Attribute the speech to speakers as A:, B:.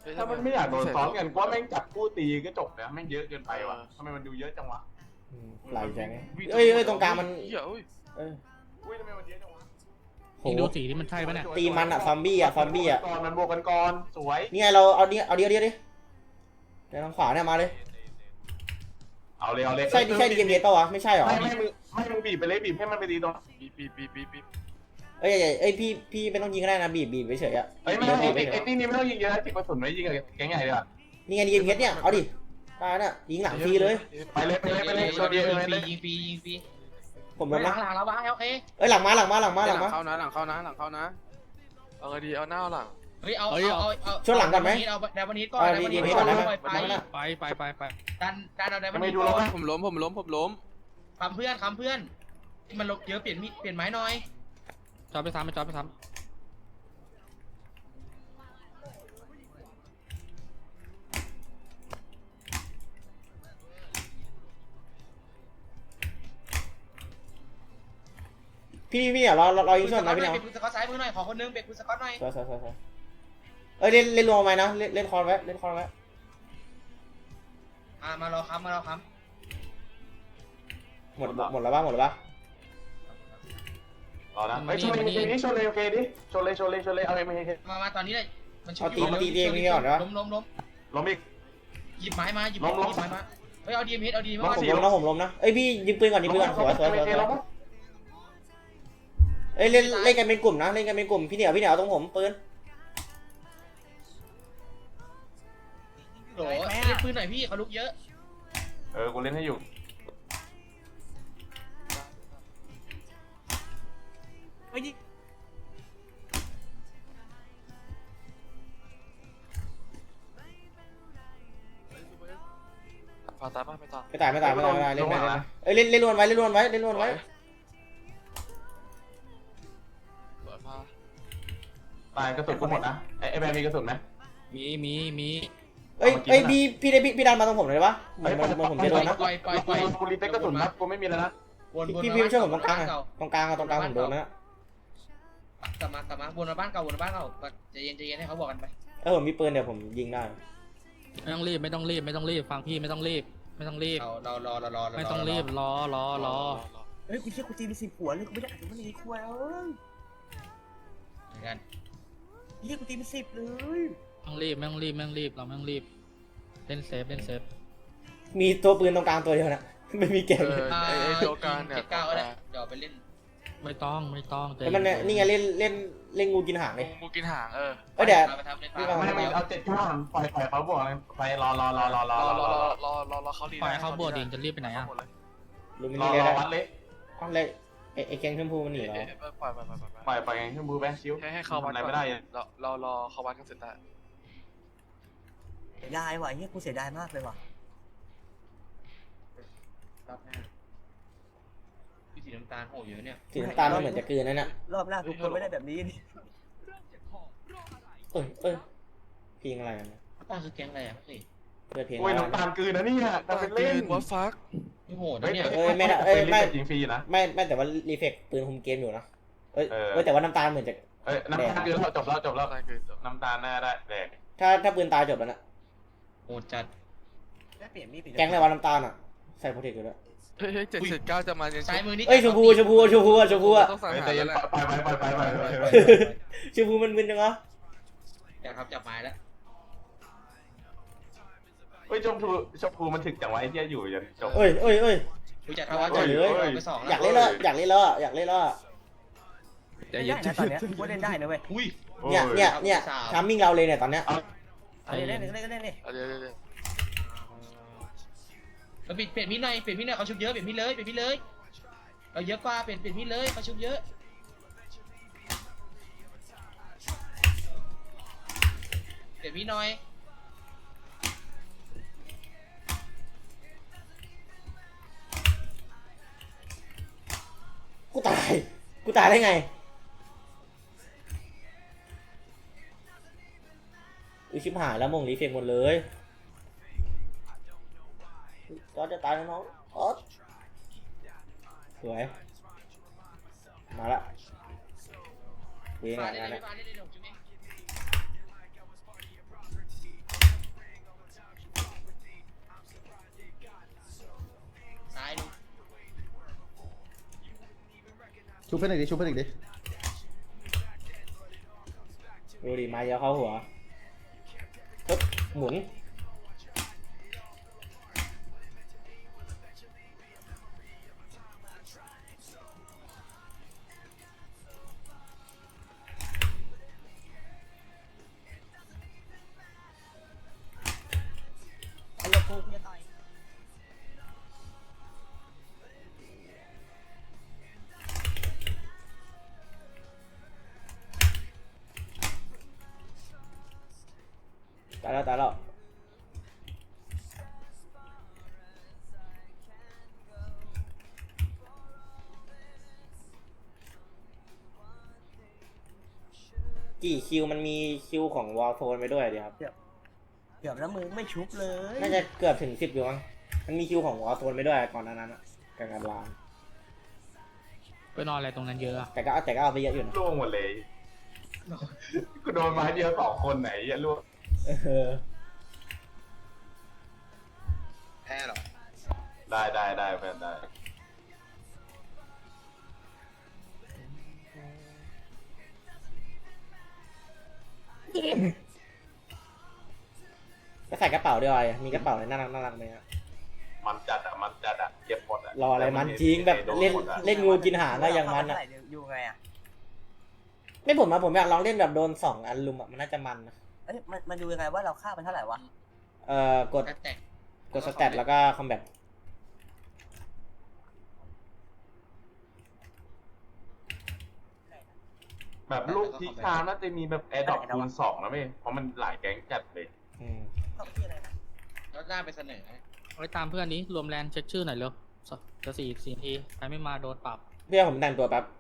A: ถ้ามันไม่อยากโดนซ้อมกันว่าแม่งจับคู่ตีก็จบแล้วแม่งเยอะเกินไปว่ะทำไมมันดูเยอะจังวะ
B: หลายแสงเอ้ยตรงกลางมัน
A: อุ้ยทำไมมันเยอะจังวะ
B: โห
C: ดูสีที่มันใช่ปะเนี่ย
B: ตีมันอะซอมบี้อะ
A: ก่อนมันบวกกันก่อนสวย
B: นี่ไงเราเอาดิเดี๋ยวทางขวาเนี่ยมาเลย
A: เอาเลย
B: ใช่ดีเกมเยสป่าวะไม่ใช่หรอ
A: ไม่มึงบีบไปเลยบีบให้มันไปดีตรง
C: บีบ
B: เอ้ยพี่ไม่ต้องยิงก็ได้นะบีบไปเฉยอะ
A: ไอ้ตีนี่ไม่ต้องยิงเยอะจิกกระสุนไม่ยิงกับแก๊งใหญ่เลยอ่ะ
B: นี่ไงดีเกมเยสเนี่ยเอาดิตายน่ะยิงหลังฟรีเลย
A: ไปเลยโชว์ดีเลย
C: ยิงฟรี
B: ผมลงนะ
C: หลังแล้ววะโอเค
B: เอ้ยหลังมา
D: เข้านะเอาไงดีเอาหน้าหลัง
C: เฮ้ยเอา
B: ช่วงหลังก่อนไหม
C: เอาไดวันนี้ก่อน
B: ไดวันนี้ก่อน
C: ไปดันเอาไดวันนี้
D: ผมล้ม
C: คำเพื่อนมันลบเยอะเปลี่ยนไม้หน่อย
E: จอดไปซ้ำ
B: พี่อ่ะเรายิงช่วยนะพี่เนาะ
C: เป็นคุณสกอตซ้ายมือหน่อยขอคนนึงเป็นคุณสกอตหน่อย
B: เอ้ยเล่นรวมไหมนะเล่นคอนไว้
C: มารอค้ำ
B: หมดแล้วป่ะ
A: รอนะไอ้ชนเลยโอเคดิชนเลยเอาไม่
C: มาตอนนี้เลยมัน
B: ตีเองนี่ก่อนนะ
A: ล้มอีก
C: หยิบไม้มาเฮ้ยเอาดีเอ็มมา
B: ผมล้มนะเอ้ยพี่ยิงปืนก่อนสวยเอ้ยเล่นกันเป็นกลุ่มนะพี่เหนียวเอาตรงผมปืน
C: โหเล่นปืนหน่อยพี่เขาลุกเยอะ
A: กูเล่นให้อยู่
D: พาตายป่ะไม่ตาย
B: ไม่ตายเล่นไปเอ้ยเล่นล้วนไว้
A: ตายกระสุนกูหมดนะไอ้แบร์มีกระสุนไหม
E: มี
B: เอ้ยพี่ดันมาตรงผมเลยปะเหมือนผมจะโดนนะ
C: ปล่อย
A: กูรีเซ็ตกระสุนนะกูไม่มีแล้วนะ
B: พี่ไม่ช่วยผมตรงกลางผมโดนนะ
C: กลับมาวนมาบ้านเก่าใจเย็นให้เขาบอกกันไป
B: ผมมีปืนเดี๋ยวผมยิงได้
E: ไม่ต้องรีบฟังพี่ไม่ต้องรีบ
C: เราไม่
E: ต้องรีบรอ
B: เฮ้ยกูเชื่อกูตีมี10 หัวเลยกูไม่ได้อ่านมันในครัว
C: เหมือนกัน
B: เรียกกูตีมี10เลย
E: ไม่ต้องรีบเราไม่ต้องรีบเล่นเซฟ
B: มีตัวปืนตรงกลางตัวเดียวนะไม่มีแกนเลย
D: ตัวกลางเนี่ย
C: ก้าวเลยเดี๋ยวไปเล่น
E: ไม่ต้อง
B: แต่มันนี่ไงเล่นงูกินหางเลย
D: งูกินหาง
B: เดี๋ยว
A: ไม่เอา7 ข้างปล่อยเขาบวกไปรอ
D: เขาดี
E: ปล่อยเขาบวกดิจะรีบไปไหนอ่ะ
B: รอ
A: วัดเลย
B: ไอ้แกงชมพูมันหนีเหรอ
A: ปล่อยแกงชมพูแบงค์ชิว
D: ให้เขาวัด
A: ไม่ได้
D: รอเขาวัดกันเสร็จได้
B: เสียดายว่ะกูเสียดายมากเลยว่ะ
C: สีน้ำตาลโหเยอะเนี่ย
B: สีน้ำตาลมันเหมือนจะกลืนนั่นน่ะ
F: รอบแรกกูไม่ได้แบบนี้นี่
B: เพลงอะไรนะ
C: ตาคือแกงอะไรพี่
B: เปิดเพลง
A: น้ำตาลกลืนนะนี่ฮะเป็นเล่น
D: วัดฟัก
C: โหเนี่ย
A: ไม่จริงฟรีนะ
B: ไม่แต่ว่ารีเฟกปืนคุมเกมอยู่นะแต่ว่าน้ำตาลเหมือนจะ
A: น้ำตาลกลืนเราจบแล้วน้ำตาลน่าได้แดก
B: ถ้าปืนตายจบแล้วนะ
C: โหจัด
B: แกงอะไรวะน้ำตาลอ่ะใส่โปรเทคอยู่ด้วย
D: เฮ้ย779จะมา
C: ซ้ายมือนี่
B: ชมพู
D: ต้องสั่งหา
A: แล้วไป
B: ชมพูมันมึนจังวะ
C: อยากครับจับไม้แล้ว
A: ชมพูมันถึกจังวะไอ้เหี้ยอยู่จนจบ
C: กูจะทำว่าจะไป2
B: อยากเล่นแล้ว
F: เล่นได้นะตอนเนี้ยกูเล่นได้นะเว้ย
B: เนี่ยทามมิ่งเราเลยเนี่ยตอนเนี้ย
F: เล่นนี่
C: เปลี่ยนมีดหน่อยเขาชุบเยอะเปลี่ยนมีดเลยเราเยอะกว่าเปลี่ยนมีดเลยเขาชุบเยอะเปลี่ยนมีดหน่อย
B: กูตายได้ไงชิบหายแล้วมงรีเฟกหมดเลยก็จะตายน้องสวยมาละเวงงานเนี่ย
G: ชุบเพื่อนอีกดิชุบเพื่อนอีกดิ
B: ดูดิมาเยอะเข้าหัวปึ๊บหมุนตายแล้วกี่คิวมันมีคิวของวอลโซนไปด้วยดีครับ
F: เกือบแล้วมึงไม่ชุบเลย
B: น่าจะเกือบถึง10อยู่มั้งมันมีคิวของวอลโซนไปด้วยก่อนหนานั้นอะการวาง
E: ไปนอนอะไรตรงนั้นเยอะอะ
B: แต่ก็เอาไปเยอะอยู่นะ
A: ล่วงหมดเลยกูโดนไม้เดียว2 คนไหนอย่าล่วง
B: เออ
D: แพ้หรอ
A: ได้เพื่อนได้
B: ก็ใส่กระเป๋าด้วยมีกระเป๋าอะไรน่ารักไหมฮะ
A: มันจัดอะเก็บหมดอะ
B: รออะไรมันจริงแบบเล่นงูกินหางก็ยังมัน
F: อะ
B: อะ
F: อยู่ไงอะ
B: ไม่ผมอยากลองเล่นแบบโดน2 อันลุมอะมันน่าจะมันนะ
F: เอ้ยมันดูยังไงว่าเราฆ่ามันเท่าไหร่วะ
B: กด
C: ก็แตก
B: สแตทแล้วก็คอมแบท
A: แบบลูกทิกทามน่าจะมีแบบแอร์ดรอปคูณ 2นะเว้ยเพราะมันหลายแก๊งจัดเลย
F: เข้าที่อะไรนะ
C: แล้วหน้าไปเสนอ
E: เอาไปตามเพื่อนนี้รวมแลนเช็คชื่อหน่อยเร็วจะ4 นาทีใครไม่มาโดนปรับ
B: เพื่อนผมแต่งตัวแป๊บ